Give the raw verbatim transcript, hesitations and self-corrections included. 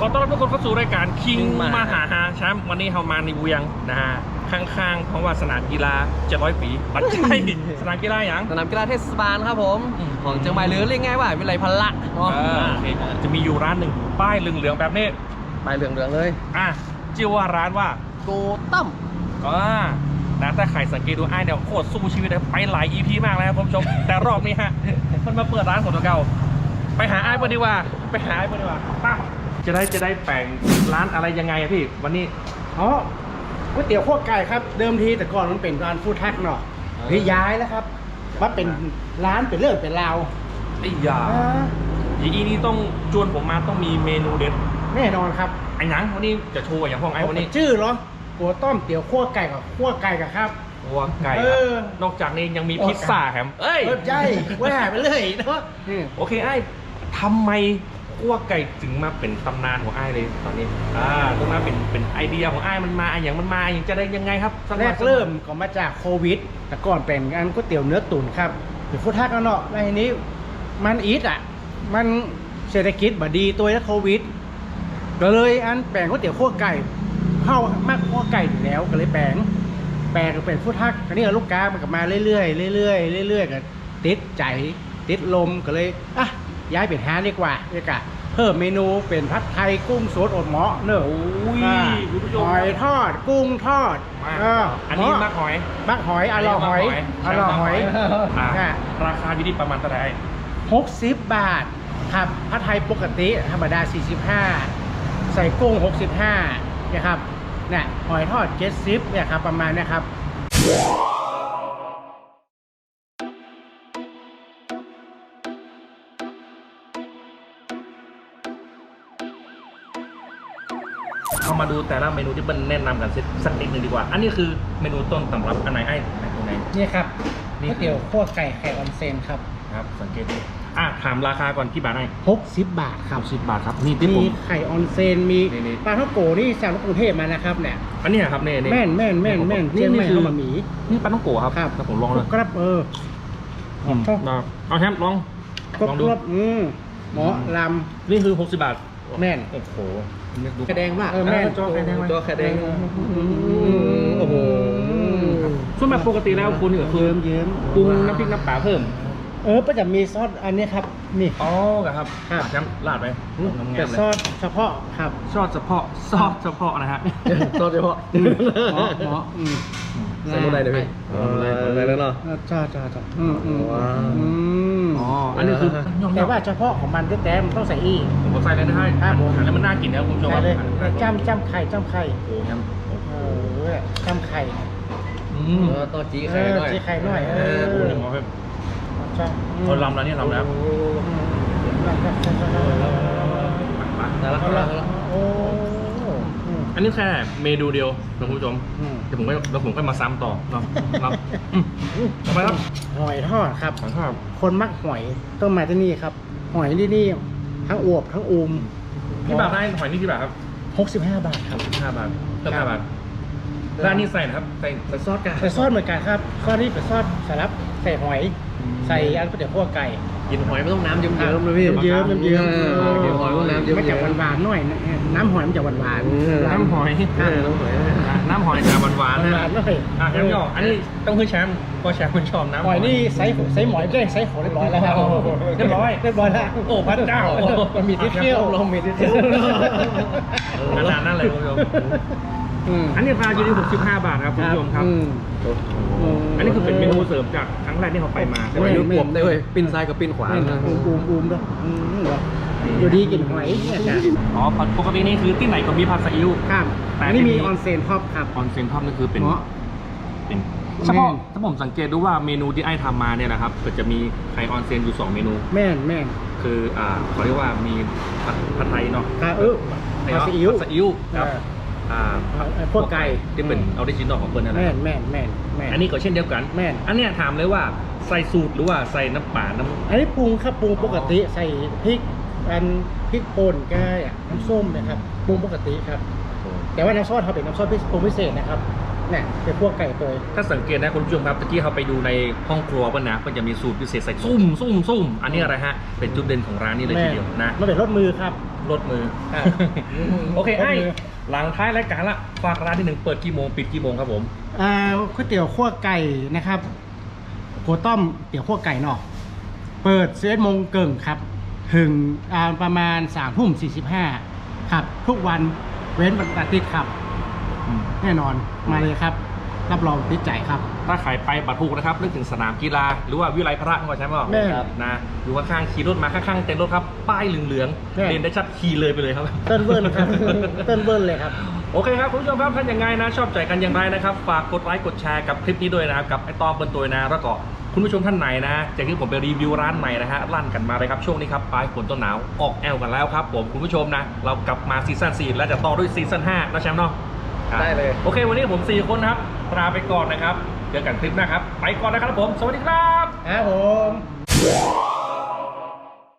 อต้อนรับทุกคนเข้าสู่รายการคิงมหาฮาแชมป์วันนี้เรามาในเวียงนะฮะข้างๆเพราะว่าสนามกีฬาเจ็ดร้อยปีปัจจัยสนามกีฬาอย่างสนามกีฬาเทศบาลครับผมของเชียงใหม่หรือเรียกง่ายว่าวิไลพละเนาะจะมีอยู่ร้านหนึ่งป้ายเหลืองๆแบบนี้ป้ายเหลืองๆเลยอ่ะชื่อว่าร้านว่าโกตั้มอ่านะถ้าใครสังเกตดูไอ้เนี่ยโคตรสู้ชีวิตเลยไปหลาย อี พี มากแล้วครับคุณผู้ชมแต่รอบนี้ฮะมันมาเปิดร้านของตัวเก่าไปหาไอ้เพื่อนดีกว่าไปหาไอ้เพื่อนดีกว่าป้าจะได้จะได้แปลงร้านอะไรยังไงอะพี่วันนี้อ๋อก๋วยเตี๋ยวขั้วไก่ครับเดิมทีแต่ก่อนมันเป็นร้านฟู้ดทักเนาะพี่ย้ายแล้วครับมาเป็นร้านเป็นเรื่องเป็นราวไอ้ยาอย่างนี้นี่ต้องจวนผมมาต้องมีเมนูเด็ดแน่นอนครับไอ้หนังวันนี้จะโชว์อย่างพวกไอ้วันนี้ชื่อเหรอกัวต้มเตี๋ยวขั้วไก่กับขั้วไก่กับครับขั้วไก่นอกจากนี้ยังมีพิซซ่าแฮมเอ้ยใช่แหวไปเลยเนาะโอเคไอ้ทำไมขั้วไก่ถึงมาเป็นตำนานของไอ้เลยตอนนี้อ่าตรงนั้นเป็นเป็นไอเดียของไอ้มันมาอย่างมันมาอย่างจะได้ยังไงครับแรกเริ่มก็มาจากโควิดแต่ก่อนเป็นอันก๋วยเตี๋ยวเนื้อตุ๋นครับเป็นฟู้ดทักแล้วเนาะในนี้มันอีทอ่ะมันเศรษฐกิจบ่ดีตัวแล้วโควิดก็เลยอันแปลงก๋วยเตี๋ยวขั้วไก่เข้ามากขั้วไก่อยู่แล้วก็เลยแปลงแปลงเป็นฟู้ดทักอันนี้ลูกค้ามันก็มาเรื่อยๆเรื่อยๆเรื่อยๆก็ติดใจติดลมก็เลยอ่ะย้ายเป็นฮาดีกว่าดีกว่าเพิ่มเมนูเป็นผัดไทยกุ้งสดอดหม้อเนอะหอยทอดกุ้งทอดอันนี้มักหอยมักหอยอร่อยหอยอร่อยหอยราคาอยู่ที่ประมาณเท่าไหร่หกสิบบาทครับผัดไทยปกติธรรมดาสี่สิบห้าใส่กุ้งหกสิบห้านะครับเนี่ยหอยทอดเจ็ดสิบเนี่ยครับประมาณนี้ครับเอามาดูแต่ละเมนูที่เป็นแนะนำกันสักนิดนึงดีกว่าอันนี้คือเมนูต้นตำรับอันไหนไอ้ตรงไหนนี่ครับก๋วยเตี๋ยวขั้วไก่ไข่ออนเซนครับครับสังเกตดูอ่ะถามราคาก่อนที่บาทไหนหกสิบบาทครับสิบบาทครับนี่ที่ผมมีไข่ออนเซนมีปลาท่องโกนี่สั่งจากกรุงเทพมานะครับเนี่ยอันนี้ครับเนี่ยแม่นแม่นแม่นแม่นนี่นี่คือมาหมีนี่ปลาท่องโกครับครับผมลองเลยครับเออเอาแชมป์ลองลองดูอืมหมอลำนี่คือหกสิบบาทแม่นโอ้โหแค่แดงมากเออแม่จอแค่แดงจอแค่แดงโอ้โหส่วนแบบปกติแล้วคุณก็คือเยิ้มปรุงน้ำพริกน้ำปลาเพิ่มเออก็จะมีซอสอันนี้ครับนี่อ๋อครับครับแชมป์ลาดไปแต่ซอสเฉพาะครับซอสเฉพาะซอสเฉพาะนะฮะซอสเฉพาะหมอหมอใส่หมดเลยเลยพี่อะไรแล้วเนาะจ้าจ้าจ้าอืมอืมอ๋ออันนี้คือแต่ว่าเฉพาะของมันแท้ๆมันต้องใส่อีผมก็ใส่เลยนะฮะครับผมแล้วมันน่ากินนะคุณผู้ชมเลยจ้ำจ้ำไข่จ้ำไข่โอ้ยเออจ้ำไข่อืมตัวจีไข่หน่อยจีไข่หน่อยเออโอ้ยหมอครับเขาลำแล้วนี่ลำแล้วแต่ละคนอันนี้แค่เมนูเดียวนะคุณผู้ชมเดี๋ยวผมก็แล้วผมก็มาซ้ำต่อเนาะทำไมครับหอยทอดครับหอยทอดคนมักหอยต้องมาที่นี่ครับหอยที่นี่ทั้งอวบทั้งอูมที่บาทได้หอยนี่ที่บาทครับหกสิบห้าบาทครับห้าบาทเติมห้าบาทร้านนี้ใส่นะครับใส่ใส่ซอสกันใส่ซอสเหมือนกันครับซอสนี่เป็นซอสสลับใส่หอยใส่อันก๋วยเตี๋ยวขั้วไก่กินหอยไม่ต้องน้ำเยิ้มๆเลยพี่เยิ้มเยิ้มกินหอยต้องน้ำเยิ้มๆมันจะหวานๆหน่อยน้ำหอยมันจะหวานๆน้ำหอยน้ำหอยน้ำหอยจะหวานๆนะอ่ะแชมป์ก็อันนี้ต้องคือแชมป์ก็แชมป์คนชอบน้ำหอยนี่ไซส์ไซส์หมอยได้ไซส์ของเรียบร้อยแล้วเรียบร้อยเรียบร้อยแล้วโอ้พระเจ้ามันมีที่เที่ยวลงมีที่เที่ยวขนาดนั้นเลยคุณผู้ชมอันนี้ราคาอยู่ที่หกสิบห้าบาทครับคุณผู้ชมครับอันนี้คือเป็นเมนูเสริมจากครั้งแรกที่เขาไปมาแต่ว่ายุคผมได้เว้ยปิ้นซ้ายกับปิ้นขวาอูมอูมอูมด้วยอยู่ดีกินหอยเนี่ยจ้ะอ๋อปกตินี่คือที่ไหนก็มีผัดซีอิ๊วครับแต่นี่มีออนเซนท็อปครับออนเซนท็อปนี่คือเป็นเป็นเฉพาะถ้าผมสังเกตดูว่าเมนูที่ไอ้ทำมาเนี่ยนะครับก็จะมีไข่ออนเซนอยู่สองเมนูแม่นแม่นคืออ่าเขาเรียกว่ามีผัดไทยเนาะเออผัดซีอิ๊วซีอิ๊วครับอ่าพวกไก่ที่เป็นออริจินอลของเปิ้ลนั่นแหละแม่นแม่นแม่นแม่นอันนี้ก็เช่นเดียวกันแม่นอันเนี้ยถามเลยว่าใส่สูตรหรือว่าใส่น้ำปลาน้ำอันนี้ปรุงครับปรุงปกติใส่พริกอันพริกป่นแก้น้ำส้มนะครับปรุงปกติครับแต่ว่าน้ำซอสเขาเป็นน้ำซอสปรุงพิเศษนะครับเนี่ยเป็นพวกไก่ตัวถ้าสังเกตนะคุณผู้ชมครับตะกี้เขาไปดูในห้องครัวป่ะนะก็จะมีสูตรพิเศษใส่ซุ่มซุ่มซุ่มอันนี้อะไรฮะเป็นจุดเด่นของร้านนี้เลยทีเดียวนะมันเป็นรถมือครับรถมืออ่าโอเครถไอ้มือหลังท้ายรายการละฝากร้านที่หนึ่งเปิดกี่โมงปิดกี่โมงครับผมอ่าก๋วยเตี๋ยวขั้วไก่นะครับโกต้อมเตี๋ยวขั้วไก่เนาะเปิดสิบเอ็ดโมงเกิงครับ ถึงอ่าประมาณสามทุ่มสี่สิบห้าครับ ทุกวันเว้นวันอาทิตย์ครับ แน่นอนมาเลยครับ รับรองติดใจครับถ้าใครไปบัตรภูนะครับนึกถึงสนามกีฬาหรือว่าวิไลพระก็ใช่ไหมแม่ครับนะอยู่ข้างๆขี่รถมาข้างๆเต็นท์รถครับป้ายเหลืองแม่ๆเด่นได้ชัดขี่เลยไปเลยครับเต้นเบิ้ลครับ เต้นเบิ้ลเลยครับโอเคครับคุณผู้ชมครับท่านยังไงนะชอบใจกันอย่างไรนะครับฝากกดไลค์กดแชร์กับคลิปนี้ด้วยนะครับกับไอตอมเปิลตัวนะแล้วก็คุณผู้ชมท่านไหนนะจากที่ผมไปรีวิวร้านใหม่นะฮะลั่นกันมาเลยครับช่วงนี้ครับปลายฝนต้นหนาวออกแอลกันแล้วครับผมคุณผู้ชมนะเรากลับมาซีซั่นสี่แล้วจะต่อด้วยซีซั่นห้านะแชมป์เนาะได้เลยโอเควันนี้ผมสี่คนนะครับลาไปก่อนนะครับเจอกันคลิปหน้าครับไปก่อนนะครับผมสวัสดีครับครับผม